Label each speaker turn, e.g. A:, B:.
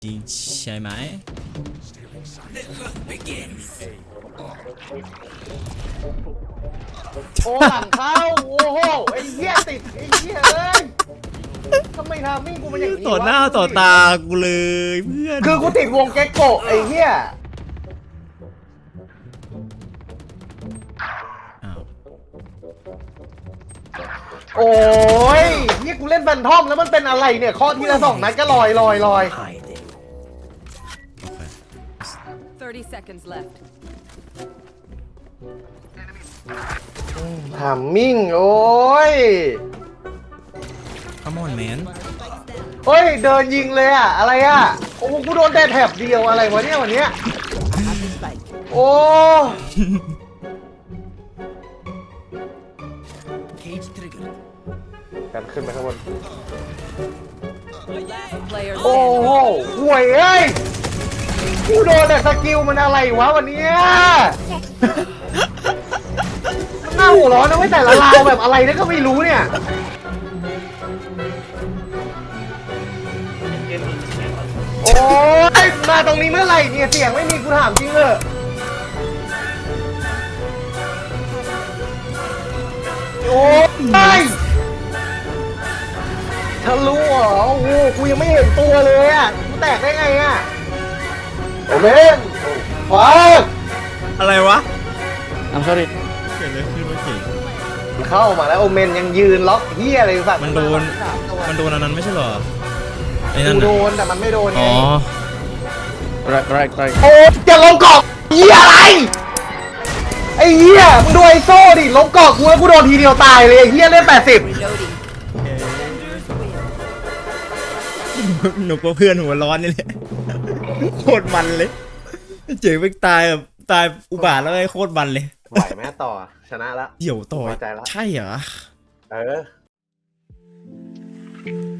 A: จริงใช่ไหม
B: โอ้หลังเข้าโอ้โหไอ้เหี้ยติดไอ้เหี้ยเอ้ยทำไมทำมิ่งกูมันอย่างนี้
A: ต่อหน้าว
B: ะ
A: ต่อตากูเลยเพื่อน
B: คือกูติดวงเก็กโกะไอ้เหี้ย
A: อ้าว
B: โอ้ยนี่กูเล่นแฟนทอมแล้วมันเป็นอะไรเนี่ยข้อทีละ2 นัดก็ลอย
C: 30 seconds left.
B: ทำมิ่งโอ้ย
A: Come on man
B: เฮ้ยเดินยิงเลยอะอะไรอะโอ้โหกูโดนแต่แถบเดียวอะไรวะเนี่ยวันเนี้ยโอ้กันขึ้นไปข้างบน
C: Player
B: โอ้โห
C: standing.
B: ห่วยเอ้ยกูโดนแต่สกิลมันอะไรวะวันเนี้ยมันน่าหัวร้อนนะเว้ยแต่ละราวแบบอะไรเนี่ยก็ไม่รู้เนี่ย โอ้ยมาตรงนี้เมื่อไหร่เนี่ยเสียงไม่มีกูถามจริงเลยโอ้ยทะลุเหรอโอ้โหกูยังไม่เห็นตัวเลยอ่ะกูแตกได้ไงอ่ะโอเมนฟ้า
A: อะไรวะ
D: I'm sorry
A: เกิดอะไรขึ้นวะเก่ง
B: เข้ามาแล้วโอเมนยังยืนล็อกเฮียอะไรสัก
A: มันโดนอันนั้นไม่ใช่เหรอไอ้นั่น
B: กูโด
A: น่ะ
B: นแต่มันไม่โดนไง
A: อ๋อ
D: right
B: โอ้จะลงเกาะเฮียอะไรไอ้เฮียมึงดูไอ้โซ่ดิลงเกาะกูแล้วกูโดนทีเดียวตายเลยไอ้เฮียเล่น80
C: Reloading.
A: หนูก็เพื่อนหัวร้อนนี่แหละโคตรมันเลยเจ๋งไปตายแบบตายอุบาทแล้วไอ้โคตรมันเลย
B: ไหวไหมต่อชนะละ
A: เดี่ยวต่อ
B: พอใจละ
A: ใช่เหรอ
B: เออ